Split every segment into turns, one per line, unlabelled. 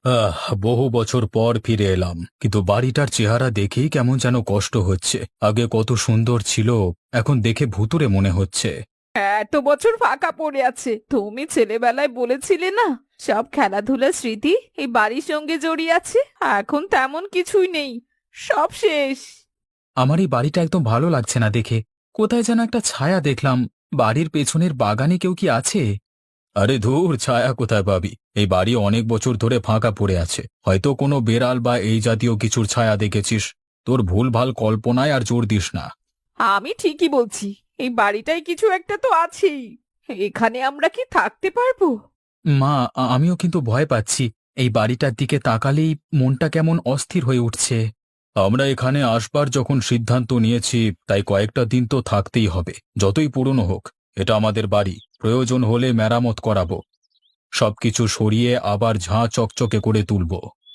বহু বছর পর ফিরে এলাম, কিন্তু বাড়িটার চেহারা দেখেই কেমন যেন কষ্ট হচ্ছে। আগে কত সুন্দর ছিল, এখন দেখে ভুতুড়ে মনে হচ্ছে।
এত বছর ফাঁকা পড়ে আছে, তুমি ছেলেবেলায় বলেছিলে না সব খেলাধুলার স্মৃতি এই বাড়ির সঙ্গে জড়িয়ে আছে। এখন তেমন কিছুই নেই, সব শেষ।
আমার এই বাড়িটা একদম ভালো লাগছে না দেখে। কোথায় যেন একটা ছায়া দেখলাম। বাড়ির পেছনের বাগানে কেউ কি আছে? আরে ধুর, ছায়া কোথায় পাবি? এই বাড়ি অনেক বছর ধরে ফাঁকা পড়ে আছে, হয়তো কোনো বেড়াল বা এই জাতীয় কিছুর ছায়া দেখেছিস। তোর ভুলভাল কল্পনায় আর জোর দিস না।
আমি ঠিকই বলছি, এই বাড়িটায় কিছু একটা তো আছেই। এখানে আমরা কি থাকতে পারবো?
মা, আমিও কিন্তু ভয় পাচ্ছি। এই বাড়িটার দিকে তাকালেই মনটা কেমন অস্থির হয়ে উঠছে। আমরা এখানে আসবার যখন সিদ্ধান্ত নিয়েছি, তাই কয়েকটা দিন তো থাকতেই হবে, যতই পুরনো হোক। এটা আমাদের বাড়ি, প্রয়োজন হলে মেরামত করাবো। সবকিছু সরিয়ে আবার ঝাঁ চকচকে করে তুলব।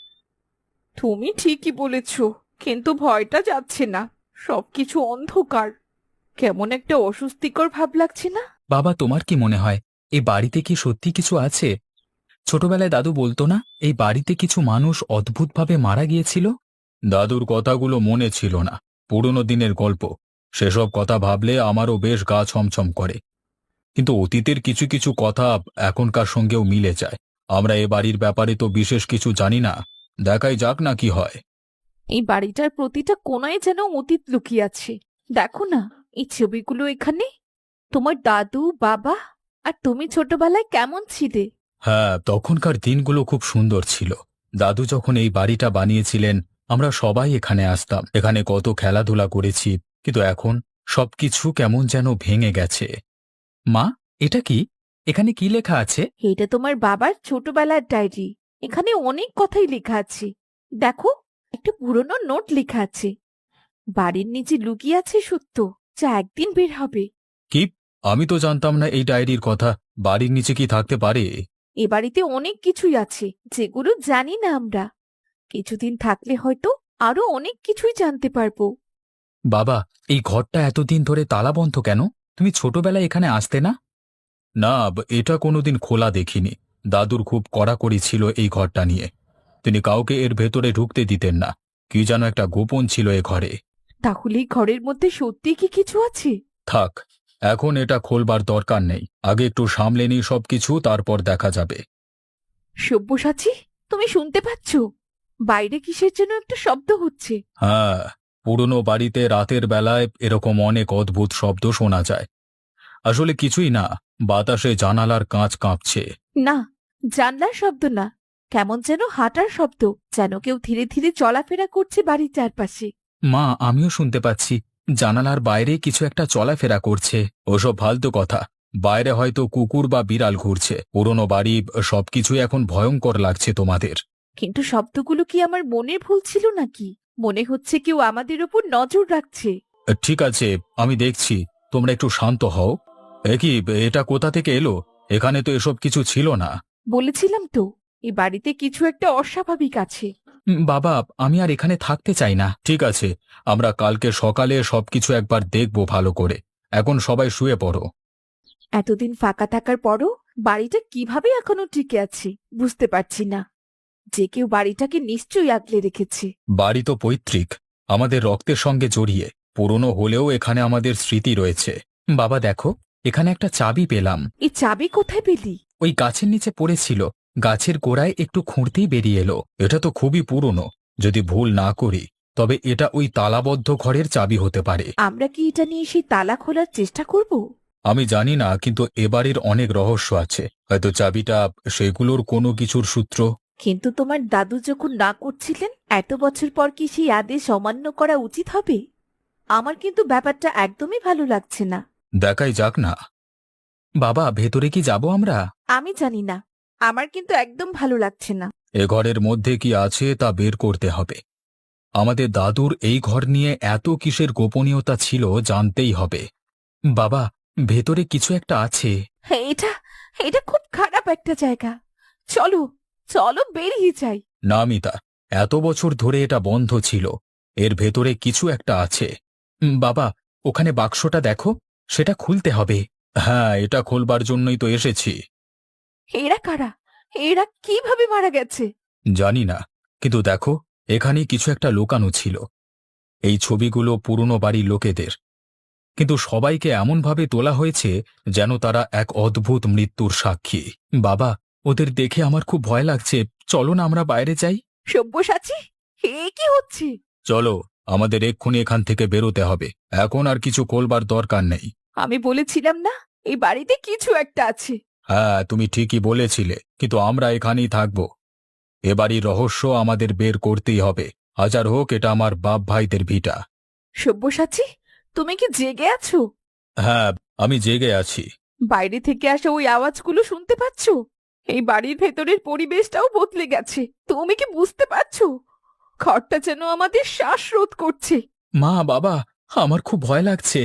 তুমি ঠিকই বলেছ, কিন্তু ভয়টা যাচ্ছে না। সবকিছু অন্ধকার, কেমন একটা অস্বস্তিকর ভাব লাগছে না?
বাবা, তোমার কি মনে হয় এই বাড়িতে কি সত্যি কিছু আছে? ছোটবেলায় দাদু বলতো না, এই বাড়িতে কিছু মানুষ অদ্ভুতভাবে মারা গিয়েছিল। দাদুর কথাগুলো মনে ছিল না, পুরনো দিনের গল্প। সেসব কথা ভাবলে আমারও বেশ গা ছমছম করে। কিন্তু অতীতের কিছু কিছু কথা এখনকার সঙ্গেও মিলে যায়। আমরা এ বাড়ির ব্যাপারে তো বিশেষ কিছু জানি না, দেখাই যাক না কি হয়।
এই বাড়িটার প্রতিটা কোণায় যেন অতীত লুকিয়ে আছে। দেখো না, এই ছবিগুলো এখানে, তোমার দাদু, বাবা আর তুমি ছোটবেলায় কেমন ছিলে।
হ্যাঁ, তখনকার দিনগুলো খুব সুন্দর ছিল। দাদু যখন এই বাড়িটা বানিয়েছিলেন, আমরা সবাই এখানে আসতাম, এখানে কত খেলাধুলা করেছি। কিন্তু এখন সবকিছু কেমন যেন ভেঙে গেছে। মা, এটা কি? এখানে কি লেখা আছে?
এটা তোমার বাবার ছোটবেলার ডায়েরি। এখানে অনেক কথাই লেখা আছে। দেখো, একটা পুরনো নোট লেখা আছে। বাড়ির নিচে লুকিয়ে আছে সত্য, যা একদিন বের হবে।
কি? আমি তো জানতাম না এই ডায়েরির কথা। বাড়ির নিচে কি থাকতে পারে?
এ বাড়িতে অনেক কিছুই আছে যেগুলো জানি না আমরা। কিছুদিন থাকলে হয়তো আরো অনেক কিছুই জানতে পারবো।
বাবা, এই ঘরটা এতদিন ধরে তালাবন্ধ কেন? তুমি ছোটবেলায় এখানে আসতে না? না, এটা কোনোদিন খোলা দেখিনি। দাদুর খুব কড়াকড়ি ছিল এই ঘরটা নিয়ে। তিনি কাউকে এর ভেতরে ঢুকতে দিতেন না। কি যেন একটা গোপন ছিল এ ঘরে।
তাহলে এই ঘরের মধ্যে সত্যি কি কিছু আছে?
থাক, এখন এটা খোলবার দরকার নেই। আগে একটু সামলে নিই সবকিছু, তারপর দেখা যাবে।
সব্যসাচী, তুমি শুনতে পাচ্ছ? বাইরে কিসের যেন একটা শব্দ হচ্ছে।
হ্যাঁ, পুরনো বাড়িতে রাতের বেলায় এরকম অনেক অদ্ভুত শব্দ শোনা যায়। আসলে কিছুই না, বাতাসে জানালার কাঁচ কাঁপছে।
না, জানলার শব্দ না, কেমন যেন হাঁটার শব্দ, যেন কেউ ধীরে ধীরে চলাফেরা করছে বাড়ির চারপাশে।
মা, আমিও শুনতে পাচ্ছি। জানালার বাইরে কিছু একটা চলাফেরা করছে। ওসব ফালতু কথা। বাইরে হয়তো কুকুর বা বিড়াল ঘুরছে। পুরনো বাড়ি, সবকিছুই এখন ভয়ঙ্কর লাগছে তোমাদের।
কিন্তু শব্দগুলো কি আমার মনের ভুল ছিল নাকি? মনে হচ্ছে কেউ আমাদের উপর নজর রাখছে।
ঠিক আছে, আমি দেখছি। তোমরা একটু শান্ত হও। কি, এটা কোথা থেকে এলো? এখানে তো এসব কিছু ছিল না।
বলেছিলাম তো, এই বাড়িতে কিছু একটা অস্বাভাবিক আছে।
বাবা, আমি আর এখানে থাকতে চাই না। ঠিক আছে, আমরা কালকে সকালে সবকিছু একবার দেখব ভালো করে। এখন সবাই শুয়ে পড়ো।
এতদিন ফাঁকা থাকার পরও বাড়িটা কিভাবে এখনো টিকে আছে বুঝতে পারছি না। যে কেউ বাড়িটাকে নিশ্চয়ই আগলে রেখেছে।
বাড়ি তো পৈতৃক, আমাদের রক্তের সঙ্গে জড়িয়ে। পুরনো হলেও এখানে আমাদের স্মৃতি রয়েছে। বাবা দেখো, এখানে একটা চাবি পেলাম।
এই চাবি কোথায় পেলি?
ওই গাছের নিচে পড়েছিল। গাছের গোড়ায় একটু খুঁড়তেই বেরিয়ে এলো। এটা তো খুবই পুরনো। যদি ভুল না করি, তবে এটা ওই তালাবদ্ধ ঘরের চাবি হতে পারে।
আমরা কি এটা নিয়ে সেই তালা খোলার চেষ্টা করব?
আমি জানি না, কিন্তু এবাড়ির অনেক রহস্য আছে। হয়তো চাবিটা সেগুলোর কোনো কিছুর সূত্র।
কিন্তু তোমার দাদু যখন না করছিলেন, এত বছর পর কি সেই আদেশ অমান্য করা উচিত হবে? আমার কিন্তু ব্যাপারটা একদমই ভালো লাগছে না।
দেখাই যাক না। বাবা, ভেতরে কি যাব আমরা?
আমি জানি না, আমার কিন্তু একদম ভালো লাগছে না।
এ ঘরের মধ্যে কি আছে তা বের করতে হবে। আমাদের দাদুর এই ঘর নিয়ে এত কিসের গোপনীয়তা ছিল, জানতেই হবে। বাবা, ভেতরে কিছু একটা আছে।
এটা এটা খুব খারাপ একটা জায়গা। চলো, চলো বেরিয়ে যাই।
না মিতা, এত বছর ধরে এটা বন্ধ ছিল। এর ভেতরে কিছু একটা আছে। বাবা, ওখানে বাক্সটা দেখো, সেটা খুলতে হবে। হ্যাঁ, এটা খোলবার জন্যই তো এসেছি।
এরা কারা? এরা কিভাবে মারা গেছে?
জানি না, কিন্তু দেখো, এখানে কিছু একটা লুকানো ছিল। এই ছবিগুলো পুরনো বাড়ির লোকেদের, কিন্তু সবাইকে এমনভাবে তোলা হয়েছে যেন তারা এক অদ্ভুত মৃত্যুর সাক্ষী। বাবা, ওদের দেখে আমার খুব ভয় লাগছে। চলো না আমরা বাইরে যাই।
সব্যসাচী, কি হচ্ছে?
চলো, আমাদের এক্ষুনি এখান থেকে বেরোতে হবে। এখন আর কিছু করবার দরকার নেই।
আমি বলেছিলাম না এই বাড়িতে কিছু একটা আছে।
হ্যাঁ, তুমি ঠিকই বলেছিলে, কিন্তু আমরা এখানেই থাকব। এ বাড়ির রহস্য আমাদের বের করতেই হবে। হাজার হোক, এটা আমার বাপ ভাইদের ভিটা।
সব্যসাচী, তুমি কি জেগে আছো?
হ্যাঁ, আমি জেগে আছি।
বাইরে থেকে আসা ওই আওয়াজগুলো শুনতে পাচ্ছো? এই বাড়ির ভেতরের পরিবেশটাও বদলে গেছে। তুমি কি বুঝতে পারছো? ঘরটা যেন আমাদের শ্বাসরোধ করছে।
মা, বাবা, আমার খুব ভয় লাগছে।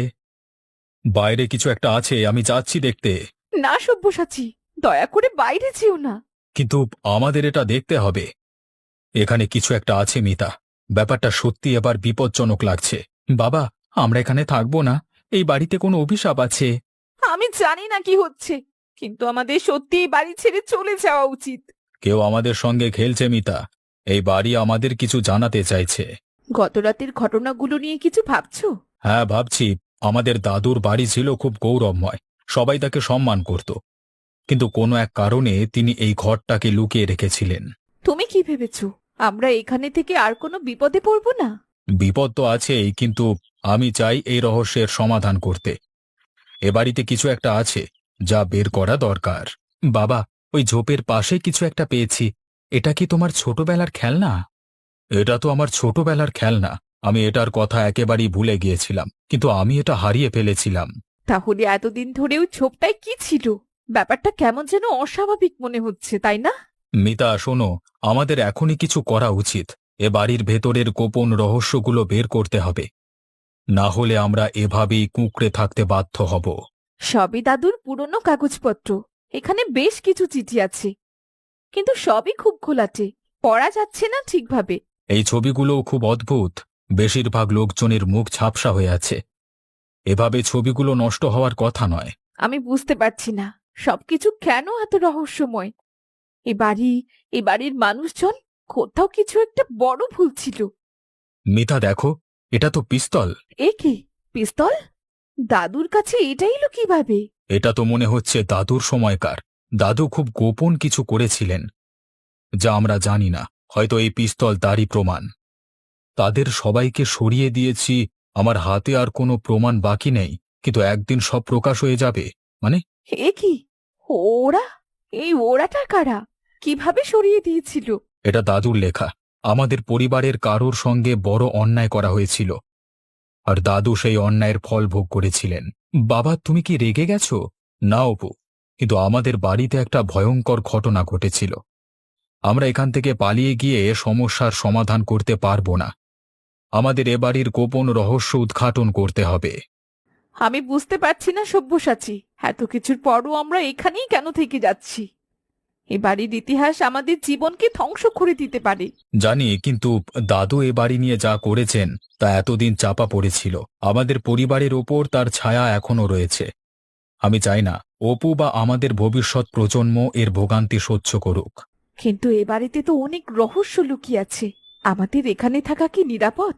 বাইরে কিছু একটা আছে, আমি যাচ্ছি দেখতে।
না সব্যসাচী, দয়া করে বাইরে যেও না।
কিন্তু আমাদের এটা দেখতে হবে। এখানে কিছু একটা আছে মিতা। ব্যাপারটা সত্যি এবার বিপজ্জনক লাগছে। বাবা, আমরা এখানে থাকবো না। এই বাড়িতে কোনো অভিশাপ আছে।
আমি জানি না কি হচ্ছে, কিন্তু আমাদের সত্যি এই বাড়ি ছেড়ে চলে যাওয়া উচিত।
কেউ আমাদের সঙ্গে খেলছে মিতা। এই বাড়ি আমাদের কিছু জানাতে চাইছে।
গত রাতের ঘটনাগুলো নিয়ে কিছু ভাবছো?
হ্যাঁ, ভাবছি। আমাদের দাদুর বাড়ি ছিল খুব গৌরবময়। সবাই তাকে সম্মান করত, কিন্তু কোনো এক কারণে তিনি এই ঘরটাকে লুকিয়ে রেখেছিলেন।
তুমি কি ভেবেছো আমরা এখানে থেকে আর কোনো বিপদে পড়বো না?
বিপদ তো আছেই, কিন্তু আমি চাই এই রহস্যের সমাধান করতে। এ বাড়িতে কিছু একটা আছে, যা বের করা দরকার। বাবা, ওই ঝোপের পাশে কিছু একটা পেয়েছি। এটা কি তোমার ছোটবেলার খেলনা? এটা তো আমার ছোটবেলার খেলনা। আমি এটার কথা একেবারেই ভুলে গিয়েছিলাম, কিন্তু আমি এটা হারিয়ে ফেলেছিলাম।
তাহলে এতদিন ধরে ওই ছোপটায় কি ছিল? ব্যাপারটা কেমন যেন অস্বাভাবিক মনে হচ্ছে, তাই না?
মিতা, শোনো, আমাদের এখনই কিছু করা উচিত। এ বাড়ির ভেতরের গোপন রহস্যগুলো বের করতে হবে, না হলে আমরা এভাবেই কুঁকড়ে থাকতে বাধ্য হব।
সবই দাদুর পুরনো কাগজপত্র। এখানে বেশ কিছু চিঠি আছে, কিন্তু সবই খুব ঘোলাটে, পড়া যাচ্ছে না ঠিকভাবে।
এই ছবিগুলোও খুব অদ্ভুত। বেশিরভাগ লোকজনের মুখ ঝাপসা হয়ে আছে। এভাবে ছবিগুলো নষ্ট হওয়ার কথা নয়।
আমি বুঝতে পারছি না সবকিছু কেন এত রহস্যময়। এ বাড়ির মানুষজন, কোথাও কিছু একটা বড় ভুল ছিল।
মিতা, দেখো, এটা তো পিস্তল।
এ কি? পিস্তল? দাদুর কাছে এটাই এলো কিভাবে?
এটা তো মনে হচ্ছে দাদুর সময়কার। দাদু খুব গোপন কিছু করেছিলেন, যা আমরা জানি না। হয়তো এই পিস্তল তারই প্রমাণ। তাদের সবাইকে সরিয়ে দিয়েছি, আমার হাতে আর কোনো প্রমাণ বাকি নেই, কিন্তু একদিন সব প্রকাশ হয়ে যাবে। মানে,
এ কি? ওরা? এই ওরাটা কারা? কিভাবে সরিয়ে দিয়েছিল?
এটা দাদুর লেখা। আমাদের পরিবারের কারোর সঙ্গে বড় অন্যায় করা হয়েছিল, আর দাদু সেই অন্যায়ের ফল ভোগ করেছিলেন। বাবা, তুমি কি রেগে গেছো? না অপু, কিন্তু আমাদের বাড়িতে একটা ভয়ঙ্কর ঘটনা ঘটেছিল। আমরা এখান থেকে পালিয়ে গিয়ে সমস্যার সমাধান করতে পারবো না। আমাদের এ বাড়ির গোপন রহস্য উদ্ঘাটন করতে হবে।
আমি বুঝতে পারছি না সব্যসাচী, এত কিছুর পরও আমরা এখানেই কেন থেকে যাচ্ছি? এ বাড়ির ইতিহাস আমাদের জীবনকে ধ্বংস করে দিতে পারে।
জানি, কিন্তু দাদু এ বাড়ি নিয়ে যা করেছেন তা এতদিন চাপা পড়েছিল। আমাদের পরিবারের ওপর তার ছায়া এখনো রয়েছে। আমি চাই না অপু বা আমাদের ভবিষ্যৎ প্রজন্ম এর ভোগান্তি সহ্য করুক।
কিন্তু এ বাড়িতে তো অনেক রহস্য লুকিয়ে আছে। আমাদের এখানে থাকা কি নিরাপদ?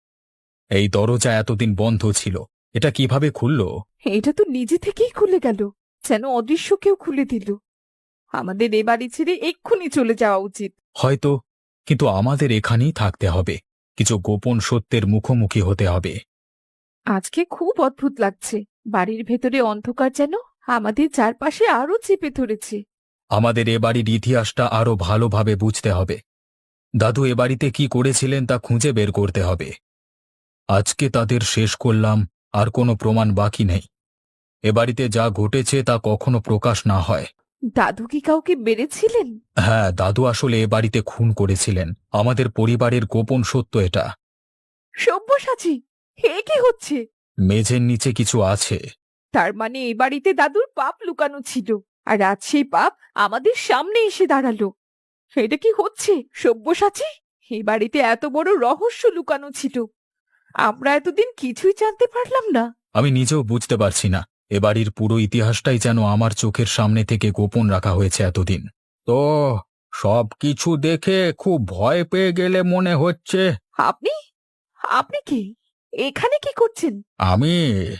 এই দরজা এতদিন বন্ধ ছিল, এটা কিভাবে খুলল?
এটা তো নিজে থেকেই খুলে গেল, যেন অদৃশ্য কেউ খুলে দিল। আমাদের এ বাড়ি ছেড়ে এক্ষুনি চলে যাওয়া উচিত।
হয়তো, কিন্তু আমাদের এখানেই থাকতে হবে। কিছু গোপন সত্যের মুখোমুখি হতে হবে।
আজকে খুব অদ্ভুত লাগছে। বাড়ির ভেতরে অন্ধকার যেন আমাদের চারপাশে আরো চেপে ধরেছে।
আমাদের এ বাড়ির ইতিহাসটা আরো ভালোভাবে বুঝতে হবে। দাদু এ বাড়িতে কি করেছিলেন তা খুঁজে বের করতে হবে। আজকে তাদের শেষ করলাম, আর কোনো প্রমাণ বাকি নেই। এ বাড়িতে যা ঘটেছে তা কখনো প্রকাশ না হয়।
দাদু কি কাউকে মেরেছিলেন?
হ্যাঁ, দাদু আসলে এ বাড়িতে খুন করেছিলেন। আমাদের পরিবারের গোপন সত্য এটা।
সব্যসাচী, হে কি হচ্ছে?
মেঝের নিচে কিছু আছে।
তার মানে এ বাড়িতে দাদুর পাপ লুকানো ছিল, আর আজ সেই পাপ আমাদের সামনে এসে দাঁড়ালো। এটা কি হচ্ছে সব্যসাচী? এই বাড়িতে এত বড় রহস্য লুকানো ছিল, আমরা এতদিন কিছুই জানতে পারলাম না।
আমি নিজেও বুঝতে পারছি না। এ বাড়ির পুরো ইতিহাসটাই যেন আমার চোখের সামনে থেকে গোপন রাখা হয়েছে এতদিন। তো সবকিছু দেখে খুব ভয় পেয়ে গেলে মনে হচ্ছে।
আপনি আপনি কি এখানে কি করছেন?
আমি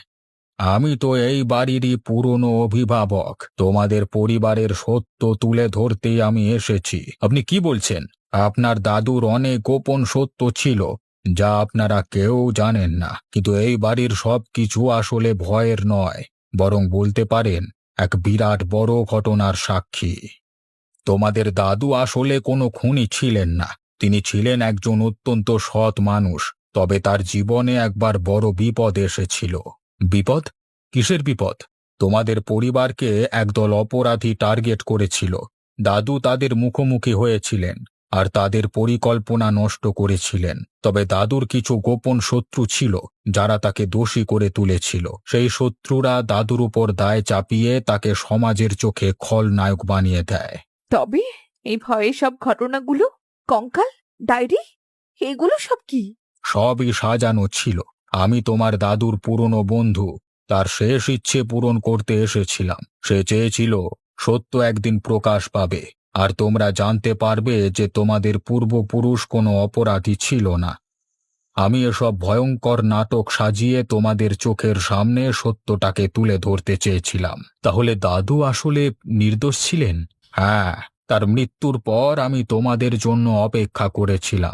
আমি তো এই বাড়িরই পুরনো অভিভাবক। তোমাদের পরিবারের সত্য তুলে ধরতেই আমি এসেছি। আপনি কি বলছেন? আপনার দাদুর অনেক গোপন সত্য ছিল, যা আপনারা কেউ জানেন না। কিন্তু এই বাড়ির সবকিছু আসলে ভয়ের নয়, বরং বলতে পারেন এক বিরাট বড় ঘটনার সাক্ষী। তোমাদের দাদু আসলে কোনো খুনি ছিলেন না। তিনি ছিলেন একজন অত্যন্ত সৎ মানুষ। তবে তার জীবনে একবার বড় বিপদ এসেছিল। বিপদ? কিসের বিপদ? তোমাদের পরিবারকে একদল অপরাধী টার্গেট করেছিল। দাদু তাদের মুখোমুখি হয়েছিলেন আর তাদের পরিকল্পনা নষ্ট করেছিলেন। তবে দাদুর কিছু গোপন শত্রু ছিল, যারা তাকে দোষী করে তুলেছিল। সেই শত্রুরা দাদুর উপর দায় চাপিয়ে তাকে সমাজের চোখে খলনায়ক বানিয়ে দেয়।
তবে এই ভয়ে সব ঘটনাগুলো, কঙ্কাল, ডায়েরি, এগুলো সব কি?
সবই সাজানো ছিল। আমি তোমার দাদুর পুরনো বন্ধু। তার শেষ ইচ্ছে পূরণ করতে এসেছিলাম। সে চেয়েছিল সত্য একদিন প্রকাশ পাবে, আর তোমরা জানতে পারবে যে তোমাদের পূর্বপুরুষ কোনো অপরাধী ছিল না। আমি এসব ভয়ঙ্কর নাটক সাজিয়ে তোমাদের চোখের সামনে সত্যটাকে তুলে ধরতে চেয়েছিলাম। তাহলে দাদু আসলে নির্দোষ ছিলেন? হ্যাঁ, তার মৃত্যুর পর আমি তোমাদের জন্য অপেক্ষা করেছিলাম।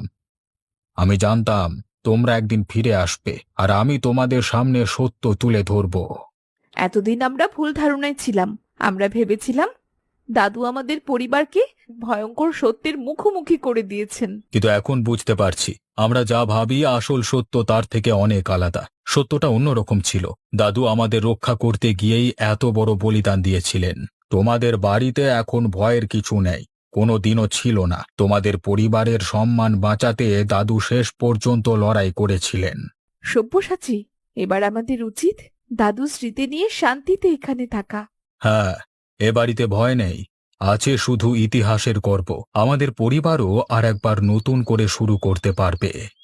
আমি জানতাম তোমরা একদিন ফিরে আসবে, আর আমি তোমাদের সামনে সত্য তুলে ধরব।
এতদিন আমরা ভুল ধারণায় ছিলাম। আমরা ভেবেছিলাম দাদু আমাদের পরিবারকে ভয়ঙ্কর সত্যের মুখোমুখি করে দিয়েছেন।
কিন্তু এখন বুঝতে পারছি, আমরা যা ভাবি আসল সত্য তার থেকে অনেক আলাদা। সত্যটা অন্যরকম ছিল। দাদু আমাদের রক্ষা করতে গিয়েই এত বড় বলিদান দিয়েছিলেন। তোমাদের বাড়িতে এখন ভয়ের কিছু নেই, কোনো দিনও ছিল না। তোমাদের পরিবারের সম্মান বাঁচাতে দাদু শেষ পর্যন্ত লড়াই করেছিলেন।
সব্যসাচী, এবার আমাদের উচিত দাদু স্মৃতি নিয়ে শান্তিতে এখানে থাকা।
হ্যাঁ, এ বাড়িতে ভয় নেই, আছে শুধু ইতিহাসের গর্ব। আমাদের পরিবারও আর একবার নতুন করে শুরু করতে পারবে।